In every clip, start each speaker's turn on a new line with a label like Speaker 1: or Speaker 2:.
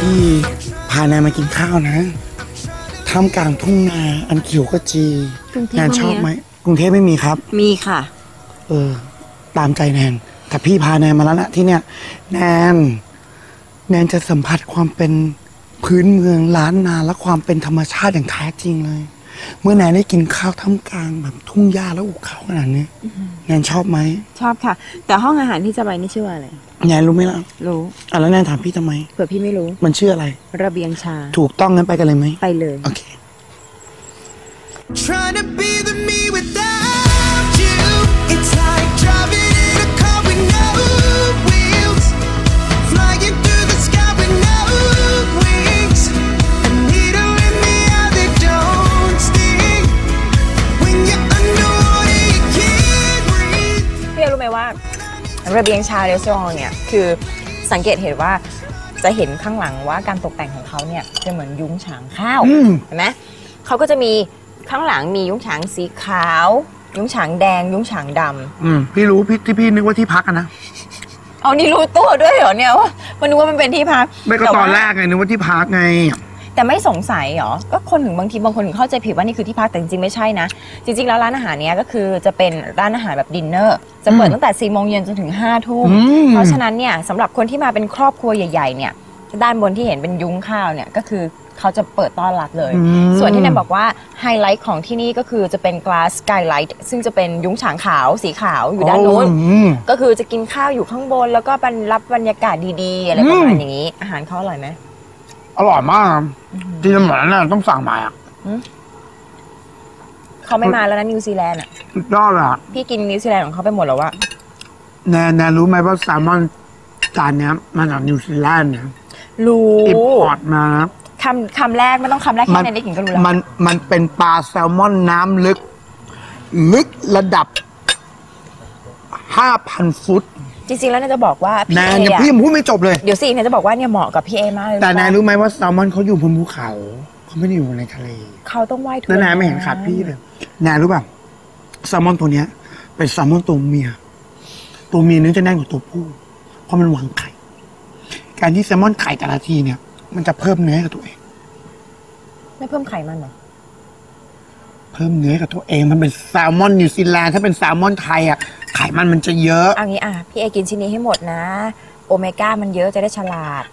Speaker 1: พี่พาแนนมากินข้าวนะท่ามกลางทุ่งนาอันเขียวขจีแนนชอบไหมกรุงเทพไม่มีครับ
Speaker 2: มีค่ะ
Speaker 1: ตามใจแนนแต่พี่พาแนนมาแล้วนะที่เนี่ยแนนจะสัมผัสความเป็นพื้นเมืองล้านนาและความเป็นธรรมชาติอย่างแท้จริงเลยเมื่อแนนได้กินข้าวท่ามกลางแบบทุ่งหญ้าและหุบเขาขนาดนี้แนนชอบไหม
Speaker 2: ชอบค่ะแต่ห้องอาหารที่จะไปนี่ชื่อว่าอะไร
Speaker 1: แนนรู้ไหมล่ะ
Speaker 2: รู้
Speaker 1: แล้วแนนถามพี่ทำไม
Speaker 2: เผื่อพี่ไม่รู้
Speaker 1: มันชื่ออะไร
Speaker 2: ระเบียงชา
Speaker 1: ถูกต้องงั้นไปกันเลยไหม
Speaker 2: ไปเลย
Speaker 1: โอเค
Speaker 3: Trying to be the me without you. It's like driving in a car with no wheels, flying through the sky with no wings. A needle in the eye that don't sting. When you're underwater, you can't breathe.
Speaker 2: พี่รู้ไหมว่าระเบียงชาเรสซอร์เนี่ยคือสังเกตเห็นว่าจะเห็นข้างหลังว่าการตกแต่งของเขาเนี่ยจะเหมือนยุ้งฉางข้าวเห็นไหมเขาก็จะมีข้างหลังมียุ้งฉางสีขาวยุ้งฉางแดงยุ้งฉางด
Speaker 1: ำพี่รู้พี่นึกว่าที่พักนะ
Speaker 2: เอานี่รู้ตัวด้วยเหรอเนี่ยว่ามันนึกว่ามันเป็นที่พัก
Speaker 1: ไม่ก็ตอนแรกไงนึกว่าที่พักไง
Speaker 2: แต่ไม่สงสัยเหรอก็คนถึงบางคนถึงเข้าใจผิดว่านี่คือที่พักแต่จริงๆไม่ใช่นะจริงๆแล้วร้านอาหารเนี้ยก็คือจะเป็นร้านอาหารแบบดินเนอร์จะเปิดตั้งแต่4 โมงเย็นจนถึง5 ทุ่มเพราะฉะนั้นเนี่ยสำหรับคนที่มาเป็นครอบครัวใหญ่ๆเนี่ยด้านบนที่เห็นเป็นยุ้งข้าวเนี่ยก็คือเขาจะเปิดต้อนรับเลยส่วนที่แนนบอกว่าไฮไลท์ของที่นี่ก็คือจะเป็น glass skylight ซึ่งจะเป็นยุ้งฉางขาวสีขาวอยู่ด้านโน้นก็คือจะกินข้าวอยู่ข้างบนแล้วก็รับบรรยากาศดีๆอะไรประมาณอย่างนี้อาหารเขาอร่อยไหม
Speaker 1: อร่อยมากที่เหมือนน่ะต้องสั่งมา
Speaker 2: เขาไม่มาแล้วนะนิวซีแลนด์อ่ะ
Speaker 1: ยอดอ่ะ
Speaker 2: พี่กินนิวซีแลนด์ของเขาไปหมดแล้ววะ
Speaker 1: แนนรู้ไหมว่าแซลมอนจานนี้มาจากนิวซีแลนด์เนี่ย
Speaker 2: รู้
Speaker 1: อิมพอร์ตมา
Speaker 2: คำแรกไม่ต้องคำแรกแค่นั้นได้กินก็รู้แล้ว
Speaker 1: มันเป็นปลาแซลมอนน้ำลึกระดับ 5,000 ฟุต
Speaker 2: จริงๆแล้วแนนจะบอกว่า
Speaker 1: แนนพี่ยังพูดไม่จบเลย
Speaker 2: เดี๋ยวสิแนนจะบอกว่าเนี่ยเหมาะกับพี่เอมากเลย
Speaker 1: แต่แนนรู้ไหมว่าแซลมอนเขาอยู่บนภูเขาเขาไม่ได้อยู่ในทะเล
Speaker 2: เขาต้องว่ายทุก
Speaker 1: แล้วแนนไม่เห็นขาดพี่เลยแนนรู้ป่ะแซลมอนตัวเนี้ยเป็นแซลมอนตัวเมียเนื้อจะแน่นกว่าตัวผู้เพราะมันวางไข่การที่แซลมอนไข่แต่ละทีเนี่ยมันจะเพิ่มเนื้อกับตัวเอง
Speaker 2: ไม่เพิ่มไขมันหรอ
Speaker 1: เพิ่มเนื้อกับตัวเองมันเป็นแซลมอนนิวซีแลนด์ถ้าเป็นแซลมอนไทยอ่ะไขมันจะเยอะ
Speaker 2: เอางี้พี่เอกินชิ้นนี้ให้หมดนะโอเมก้ามันเยอะจะได้ฉลาด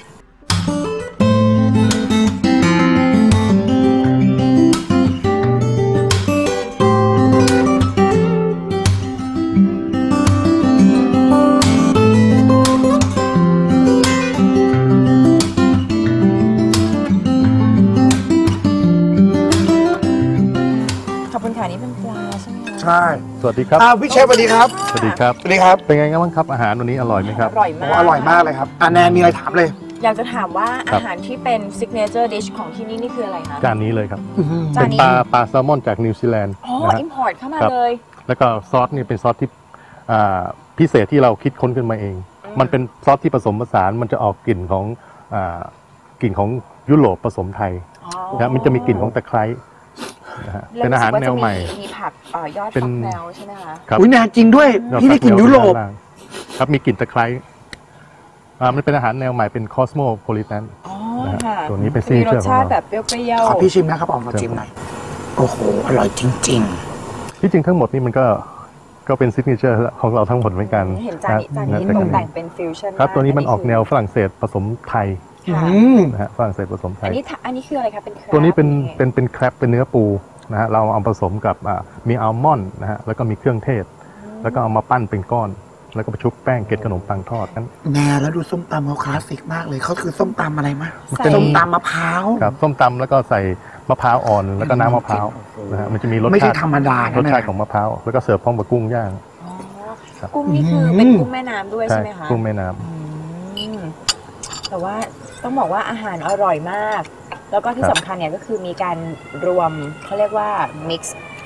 Speaker 2: นี่เป็นปลาใช่ไหมคะ
Speaker 1: ใช่
Speaker 4: สวัสดีครับ
Speaker 1: พี่เชฟสวัสดีครับ
Speaker 4: สวัสดีครับ
Speaker 1: สวัสดีครับ
Speaker 4: เป็นไงบ้างครับอาหารวันนี้อร่อยไหมครับ
Speaker 2: อร่อยมาก
Speaker 1: อร่อยมากเลยครับแนนมีอะไรถามเลย
Speaker 2: อยากจะถามว่าอาหารที่เป็น signature dish ของที่นี่คืออะไรคะ
Speaker 4: จานนี้เลยครับเป็นปลาแซลมอนจากนิวซีแลนด์
Speaker 2: อิมพอร์ตเข้ามาเลย
Speaker 4: แล้วก็ซอสนี่เป็นซอสที่พิเศษที่เราคิดค้นขึ้นมาเองมันเป็นซอสที่ผสมผสานมันจะออกกลิ่นของยุโรปผสมไทยนะมันจะมีกลิ่นของตะไคร้เป็นอาหารแนวใหม่
Speaker 2: มีผักยอดฟักแนวใช่ไหมคะ
Speaker 1: อุ้ยแนวจริงด้วยพี่ได้กลิ่นยุโรป
Speaker 4: ครับมีกลิ่นตะไคร้มันเป็นอาหารแนวใหม่เป็นคอสโมโพลิแทนตัวนี้เป็น
Speaker 2: ซีรสชาติแบบเปรี้ยว
Speaker 1: ๆขอพี่ชิมนะครับขอชิมหน่อยโอ้โหอร่อยจริง
Speaker 4: ๆที่จริงทั้งหมดนี่มันก็เป็นซิกเนเจอร์ของเราทั้งหมดเหมือนกัน
Speaker 2: เห็นจานนี้ตกแต่งเป็นฟิวชั่น
Speaker 4: ครับตัวนี้มันออกแนวฝรั่งเศสผสมไทยนะฮะฝรั่งเศสผสมไทย
Speaker 2: อันนี้คืออะไรครับเป็น
Speaker 4: ตัวนี้เป็นแครปเป็นเนื้อปูนะฮะเราเอาผสมกับมีอัลมอนด์นะฮะแล้วก็มีเครื่องเทศแล้วก็เอามาปั้นเป็นก้อนแล้วก็ไปชุบแป้งเกล็ดขนมปังทอดนั้น
Speaker 1: แล้วดูส้มตำเขาคลาสสิกมากเลยเขาคือส้มตำอะไรมั้ยส้มตำมะพร้าว
Speaker 4: ครับส้มตำแล้วก็ใส่มะพร้าวอ่อนแล้วก็น้ำมะพร้าวนะฮะมันจะมีรสชาติ
Speaker 1: ไม่ใช่ธรรมดาร
Speaker 4: สชาติของมะพร้าวแล้วก็เสิร์ฟพร้อมกับกุ้งย่าง
Speaker 2: กุ้งนี่คือเป็นกุ้งแม่น้ำด้วยใช่ไหมคะ
Speaker 4: กุ้งแม่น้
Speaker 2: ำแต่ว่าต้องบอกว่าอาหารอร่อยมากแล้วก็ที่สำคัญเนี่ยก็คือมีการรวมเขาเรียกว่า mix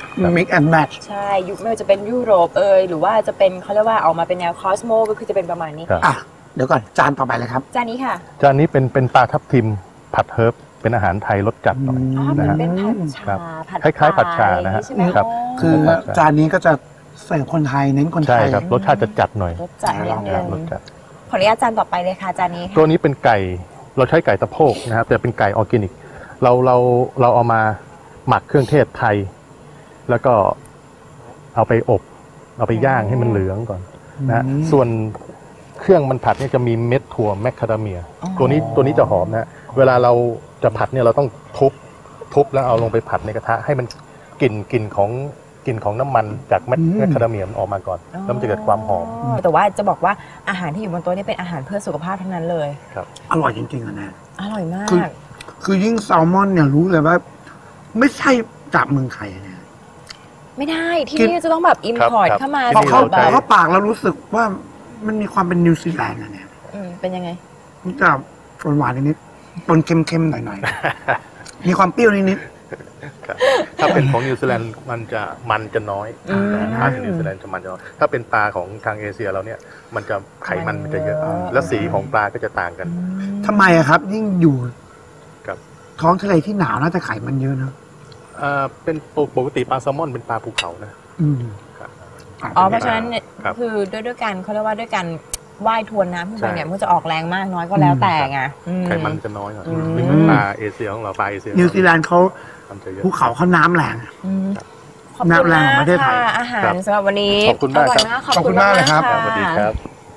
Speaker 1: and match
Speaker 2: ใช่ไม่ว่าจะเป็นยุโรปหรือว่าจะเป็นเขาเรียกว่าออกมาเป็นแนวคอสโมก็คือจะเป็นประมาณนี้
Speaker 1: เดี๋ยวก่อนจานต่อไปเลยครับ
Speaker 2: จานนี้ค่ะ
Speaker 4: จานนี้เป็นปลาทับทิมผัดเฮิร์บเป็นอาหารไทยรสจัดหน่อย
Speaker 2: นะฮะเป็นผัด
Speaker 4: ชาคล้ายๆผัดชานะฮะครับ
Speaker 1: คือจานนี้ก็จะใส่คนไทยเน้นคนไทย
Speaker 4: ใช่ครับรสชาติจะจัดหน่อย
Speaker 2: รสจัดนิดนึงขออนุญาตจานต่อไปเลยค่ะจานนี้
Speaker 4: ตัวนี้เป็นไก่เราใช้ไก่ตะโพกนะครับแต่เป็นไก่ออร์แกนิกเราเอามาหมักเครื่องเทศไทย แล้วก็เอาไปอบเอาไปย่างให้มันเหลืองก่อนนะส่วนเครื่องมันผัดเนี่ยจะมีเม็ดถั่วแมคคาเดเมียตัวนี้จะหอมนะเวลาเราจะผัดเนี่ยเราต้องทุบแล้วเอาลงไปผัดในกระทะให้มันกลิ่นของน้ำมันจากแมคคาเดเมียมันออกมาก่อนแล้วมันจะเกิดความหอม
Speaker 2: แต่ว่าจะบอกว่าอาหารที่อยู่บนโต๊ะนี่เป็นอาหารเพื่อสุขภาพทั้งนั้นเลย
Speaker 4: ครับ
Speaker 1: อร่อยจริงๆอะแนน
Speaker 2: อร่อยมาก
Speaker 1: คือยิ่งแซลมอนเนี่ยรู้เลยว่า ไม่ใช่จากเมืองไทยอะแนน
Speaker 2: ไม่ได้ที่นี่จะต้องแบบอิมพอร์ต
Speaker 4: ครับ
Speaker 2: เข้ามา
Speaker 1: พอเข้า
Speaker 2: แบ
Speaker 1: พอบ เข้าปากแล้วรู้สึกว่ามันมีความเป็นนิวซีแลนด์อะแนน
Speaker 2: เป็นยังไง
Speaker 1: มันจะหวานๆนิดๆปนเค็มๆหน่อยๆ มีความเปรี้ยวนิด
Speaker 4: ครับถ้าเป็นของนิวซีแลนด์มันจะน้อยปลาที่นิวซีแลนด์จะมันจะน้อยถ้าเป็นปลาของทางเอเชียเราเนี่ยมันจะไขมันมันจะเยอะ และสีของปลาก็จะต่างกัน
Speaker 1: ๆทำไมอะครับ ยิ่งอยู่
Speaker 4: ครับ
Speaker 1: ท้องทะเลที่หนาวน่าจะไขมันเยอะนะ
Speaker 4: เป็นปกติปลาแซลมอนเป็นปลาภูเขานะ
Speaker 1: อืม
Speaker 4: ครับ
Speaker 2: เพราะฉะนั้นเนี่ย
Speaker 4: ครับ
Speaker 2: คือด้วยการเขาเรียกว่าด้วยการว่ายทวนน้ำขึ้นไปเนี่ย
Speaker 4: ใช่
Speaker 2: มันจะออกแรงมากน้อยก็แล้วแต่ไง
Speaker 4: ไขมันจะน้อยหน่อยไม่เหมือนปลาเอเชียของเราปลาเอเชีย
Speaker 1: นิวซีแลนด์เขา
Speaker 4: มันจะเยอะ
Speaker 1: ภูเขาเขาน้ำแรง
Speaker 2: ขอบคุณ
Speaker 1: น้ำแรง
Speaker 2: มา
Speaker 1: ของ
Speaker 2: ก
Speaker 1: ประเทศไทย
Speaker 2: ค่ะอาหาร
Speaker 4: ครับ
Speaker 2: สำหรับวันนี้
Speaker 4: ขอบคุณมาก
Speaker 2: ร่ย
Speaker 4: ครับ
Speaker 2: ขอบคุณมากเลยครับ
Speaker 4: สวัสดีครับ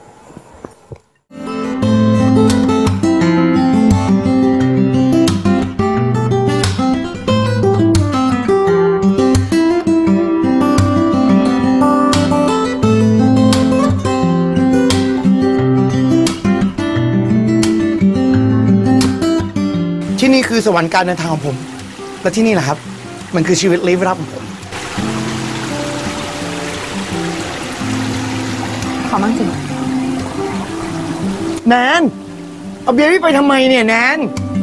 Speaker 1: ที่นี่คือสวรรค์การเดินทางของผม และที่นี่แหละครับ มันคือชีวิตลี้ลับของผม
Speaker 2: ขอมั่งสิ
Speaker 1: แนน เอาเบียร์พี่ไปทำไมเนี่ยแนน